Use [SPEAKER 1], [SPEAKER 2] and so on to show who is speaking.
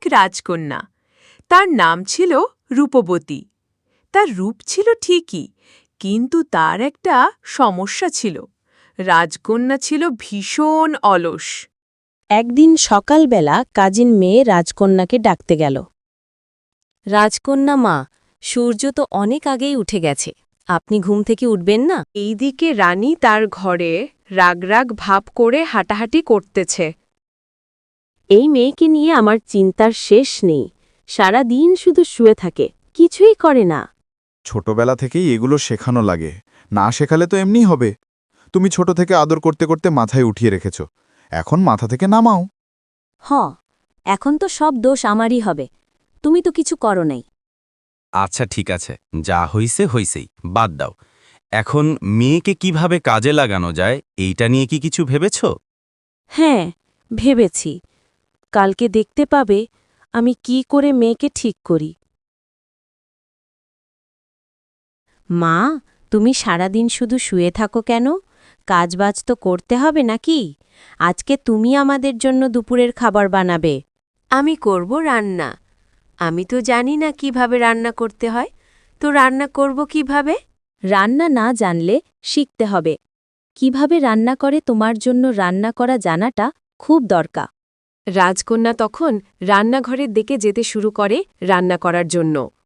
[SPEAKER 1] রাজকন্যা। তার নাম ছিল রূপবতী। তার রূপ ছিল ঠিকই, কিন্তু তার একটা সমস্যা ছিল। রাজকন্যা ছিল ভীষণ অলস।
[SPEAKER 2] একদিন সকালবেলা কাজিন মেয়ে রাজকন্যাকে ডাকতে গেল। রাজকন্যা মা, সূর্য তো অনেক আগেই উঠে গেছে, আপনি ঘুম থেকে উঠবেন না?
[SPEAKER 1] এইদিকে রানী তার ঘরে রাগ রাগ ভাব করে হাঁটাহাঁটি করতেছে।
[SPEAKER 2] এই মেয়েকে নিয়ে আমার চিন্তার শেষ নেই, সারা দিন শুধু শুয়ে থাকে, কিছুই করে না।
[SPEAKER 3] ছোটবেলা থেকেই এগুলো শেখানো লাগে, না শেখালে তো এমনি হবে। তুমি ছোট থেকে আদর করতে করতে মাথায় উঠিয়ে রেখেছ, এখন মাথা থেকে নামাও।
[SPEAKER 2] এখন তো সব দোষ আমারই হবে, তুমি তো কিছু করো নাই।
[SPEAKER 4] আচ্ছা ঠিক আছে, যা হইছে হইছেই, বাদ দাও। এখন মেয়েকে কিভাবে কাজে লাগানো যায় এইটা নিয়ে কি কিছু ভেবেছ?
[SPEAKER 2] হ্যাঁ, ভেবেছি। কালকে দেখতে পাবে আমি কি করে মেয়েকে ঠিক করি। মা, তুমি সারাদিন শুধু শুয়ে থাকো কেন? কাজবাজ তো করতে হবে নাকি? আজকে তুমি আমাদের জন্য দুপুরের খাবার বানাবে।
[SPEAKER 1] আমি করব রান্না। আমি তো জানি না কিভাবে রান্না করতে হয়, তো রান্না করব কিভাবে?
[SPEAKER 2] রান্না না জানলে শিখতে হবে। কিভাবে রান্না করে তোমার জন্য রান্না করা জানাটা খুব দরকার।
[SPEAKER 1] রাজকন্যা তখন রান্নাঘরের দিকে যেতে শুরু করে রান্না করার জন্য।